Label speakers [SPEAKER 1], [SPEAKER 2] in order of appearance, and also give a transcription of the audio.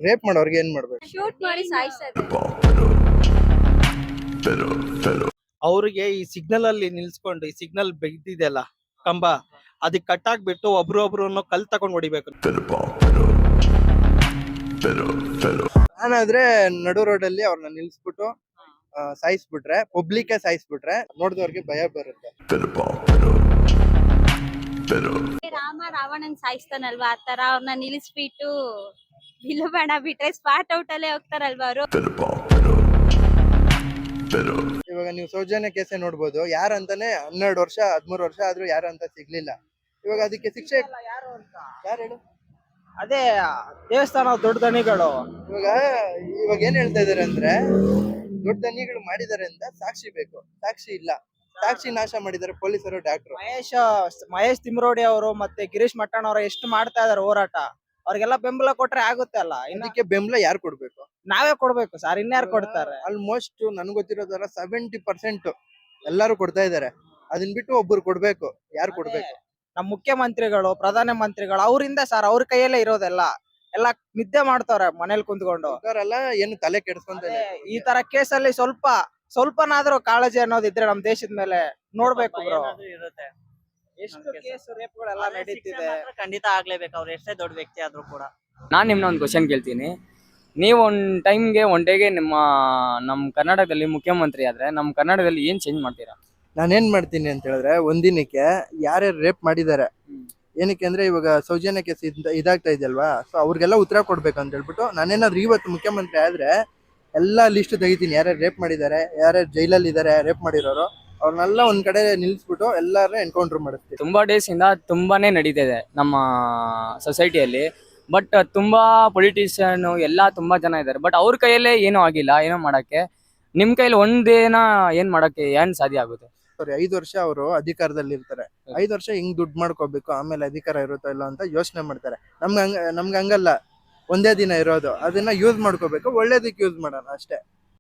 [SPEAKER 1] Rape ಮಾಡೋರ್ಗೆ ಏನ್ ಮಾಡ್ಬೇಕು?
[SPEAKER 2] ಶೂಟ್ ಮಾಡಿ ಸಾಯಿಸೋದು.
[SPEAKER 3] ಅವ್ರಿಗೆ ಈ ಸಿಗ್ನಲ್ ಅಲ್ಲಿ ನಿಲ್ಸ್ಕೊಂಡು ಈ ಸಿಗ್ನಲ್ ಬೆಗ್ದಿದೆಯಲ್ಲ ಕಂಬ, ಅದಕ್ಕೆ ಕಟ್ಟಾಕ್ಬಿಟ್ಟು ಒಬ್ರೊಬ್ರು ಕಲ್ ತಗೊಂಡ್ ಹೊಡಿಬೇಕು.
[SPEAKER 1] ನಾನಾದ್ರೆ ನಡು ರೋಡ್ ಅಲ್ಲಿ ಅವ್ರನ್ನ ನಿಲ್ಸ್ಬಿಟ್ಟು ಸಾಯಿಸ್ಬಿಟ್ರೆ, ಪಬ್ಲಿಕ್ ಸಾಯಿಸ್ಬಿಟ್ರೆ ನೋಡಿದವ್ರಿಗೆ ಭಯ ಬರುತ್ತೆ.
[SPEAKER 2] ರಾಮ ರಾವಣನ್ ಸಾಯಿಸ್ತಾನಲ್ವಾ, ಆತರ ಅವ್ರನ್ನ ನಿಲ್ಲಿಸ್ಬಿಟ್ಟು ಬಿಲ್ಬೇಡ ಬಿಟ್ರೆ ಸ್ಪಾಟ್ ಔಟ್ ಅಲ್ಲೇ ಹೋಗ್ತಾರಲ್ವಾ ಅವರು.
[SPEAKER 1] ಇವಾಗ ನೀವು ಸೌಜನ್ಯ ಕೇಸೆ ನೋಡ್ಬೋದು, ಯಾರಂತಾನೆ 12 ವರ್ಷ 13 ವರ್ಷ ಆದ್ರೂ ಯಾರಂತ ಸಿಗ್ಲಿಲ್ಲ. ಇವಾಗ ಅದಕ್ಕೆ ಶಿಕ್ಷೆ ಯಾರು ಹೇಳು?
[SPEAKER 3] ಅದೇ ದೇವಸ್ಥಾನ ದೊಡ್ಡ ದಣಿಗಳು
[SPEAKER 1] ಇವಾಗ ಏನ್ ಹೇಳ್ತಾ ಇದಾರೆ ಅಂದ್ರೆ, ದೊಡ್ಡ ದನಿಗಳು ಮಾಡಿದಾರೆ ಅಂತ ಸಾಕ್ಷಿ ಬೇಕು. ಸಾಕ್ಷಿ ಇಲ್ಲ, ಸಾಕ್ಷಿ ನಾಶ ಮಾಡಿದ್ದಾರೆ ಪೊಲೀಸರು, ಡಾಕ್ಟ್ರು.
[SPEAKER 3] ಮಹೇಶ್ ತಿಮ್ರೋಡಿ ಅವರು ಮತ್ತೆ ಗಿರೀಶ್ ಮಟ್ಟಣ್ಣ ಅವರು ಎಷ್ಟು ಮಾಡ್ತಾ ಇದಾರೆ ಹೋರಾಟ, ಅವ್ರಿಗೆಲ್ಲ ಬೆಂಬಲ ಕೊಟ್ರೆ ಆಗುತ್ತೆ ಅಲ್ಲ.
[SPEAKER 1] ಇದಕ್ಕೆ ಬೆಂಬಲ ಯಾರು ಕೊಡ್ಬೇಕು?
[SPEAKER 3] ನಾವೇ ಕೊಡ್ಬೇಕು ಸರ್, ಇನ್ಯಾರು ಕೊಡ್ತಾರೆ?
[SPEAKER 1] ಆಲ್ಮೋಸ್ಟ್ ನನ್ಗೆ ಗೊತ್ತಿರೋದರ 70% ಎಲ್ಲಾರು ಕೊಡ್ತಾ ಇದಾರೆ. ಅದನ್ ಬಿಟ್ಟು ಒಬ್ರು ಕೊಡ್ಬೇಕು. ಯಾರು ಕೊಡ್ಬೇಕು?
[SPEAKER 3] ನಮ್ ಮುಖ್ಯಮಂತ್ರಿಗಳು, ಪ್ರಧಾನ ಮಂತ್ರಿಗಳು, ಅವರಿಂದ ಸರ್, ಅವ್ರ ಕೈಯಲ್ಲೇ ಇರೋದೆಲ್ಲ. ಎಲ್ಲ ನಿದ್ದೆ ಮಾಡ್ತಾವ್ರೆ ಮನೇಲಿ ಕುಂತ್ಕೊಂಡು.
[SPEAKER 1] ಅವರೆಲ್ಲ ಏನು ತಲೆ ಕೆಡಿಸ್ಕೊಂತ
[SPEAKER 3] ಈ ತರ ಕೇಸಲ್ಲಿ ಸ್ವಲ್ಪನಾದ್ರೂ ಕಾಳಜಿ ಅನ್ನೋದಿದ್ರೆ ನಮ್ ದೇಶದ ಮೇಲೆ ನೋಡ್ಬೇಕು ಬ್ರೋ. ಎಷ್ಟು ಕೇಸ್ ರೇಪ್ಗಳೆಲ್ಲ ನಡೀತಿದೆ.
[SPEAKER 4] ಖಂಡಿತ ಆಗ್ಲೇಬೇಕು, ಅವ್ರು ಎಷ್ಟೇ ದೊಡ್ಡ ವ್ಯಕ್ತಿ ಆದ್ರೂ ಕೂಡ.
[SPEAKER 5] ನಾನ್ ನಿಮ್ನ ಒಂದು ಕ್ವಶನ್ ಕೇಳ್ತೀನಿ. ನೀವು ಒನ್ ಡೇಗೆ ನಮ್ಮ ಕರ್ನಾಟಕದಲ್ಲಿ ಮುಖ್ಯಮಂತ್ರಿ ಆದ್ರೆ ನಮ್ಮ ಕರ್ನಾಟಕದಲ್ಲಿ ಏನ್ ಚೇಂಜ್ ಮಾಡ್ತೀರಾ?
[SPEAKER 1] ನಾನೇನ್ ಮಾಡ್ತೀನಿ ಅಂತ ಹೇಳಿದ್ರೆ, ಒಂದಿನಕ್ಕೆ ಯಾರ್ಯಾರು ರೇಪ್ ಮಾಡಿದ್ದಾರೆ, ಏನಕ್ಕೆ ಅಂದ್ರೆ ಇವಾಗ ಸೌಜನ್ಯ ಕೇಸ್ ಇದಾಗ್ತಾ ಇದೆಯಲ್ವಾ, ಸೊ ಅವ್ರಿಗೆಲ್ಲ ಉತ್ತರ ಕೊಡ್ಬೇಕು ಅಂತ ಹೇಳ್ಬಿಟ್ಟು ನಾನೇನಾದ್ರು ಇವತ್ತು ಮುಖ್ಯಮಂತ್ರಿ ಆದ್ರೆ ಎಲ್ಲಾ ಲಿಸ್ಟ್ ತೆಗಿತೀನಿ. ಯಾರ್ಯಾರು ರೇಪ್ ಮಾಡಿದ್ದಾರೆ, ಯಾರ್ಯಾರು ಜೈಲಲ್ಲಿ ಇದಾರೆ ರೇಪ್ ಮಾಡಿರೋರು, ಅವ್ರನ್ನೆಲ್ಲ ಒಂದ್ ಕಡೆ ನಿಲ್ಸ್ಬಿಟ್ಟು ಎಲ್ಲಾರು ಎನ್ಕೌಂಟರ್ ಮಾಡಿಸ್ತೀವಿ.
[SPEAKER 5] ತುಂಬಾ ಡೇಸ್ ಇಂದ ತುಂಬಾನೇ ನಡೀತಿದೆ ನಮ್ಮ ಸೊಸೈಟಿಯಲ್ಲಿ. ಬಟ್ ತುಂಬಾ ಪೊಲಿಟಿಷಿಯನ್ ಎಲ್ಲ ತುಂಬಾ ಜನ ಇದ್ದಾರೆ, ಬಟ್ ಅವ್ರ ಕೈಯಲ್ಲೇ ಏನೂ ಆಗಿಲ್ಲ ಏನೋ ಮಾಡಕ್ಕೆ. ನಿಮ್ ಕೈಯಲ್ಲಿ ಒಂದೇನ ಏನ್ ಮಾಡಕ್ಕೆ ಏನ್ ಸಾಧ್ಯ ಆಗುತ್ತೆ?
[SPEAKER 1] 5 ವರ್ಷ ಅವರು ಅಧಿಕಾರದಲ್ಲಿ ಇರ್ತಾರೆ. 5 ವರ್ಷ ಹಿಂಗ್ ದುಡ್ಡು ಮಾಡ್ಕೋಬೇಕು, ಆಮೇಲೆ ಅಧಿಕಾರ ಇರುತ್ತೋ ಇಲ್ಲ ಅಂತ ಯೋಚನೆ ಮಾಡ್ತಾರೆ. ನಮ್ಗೆ ಹಂಗಲ್ಲ, ಒಂದೇ ದಿನ ಇರೋದು, ಅದನ್ನ ಯೂಸ್ ಮಾಡ್ಕೋಬೇಕು, ಒಳ್ಳೇದಕ್ಕೆ ಯೂಸ್ ಮಾಡೋಣ ಅಷ್ಟೇ.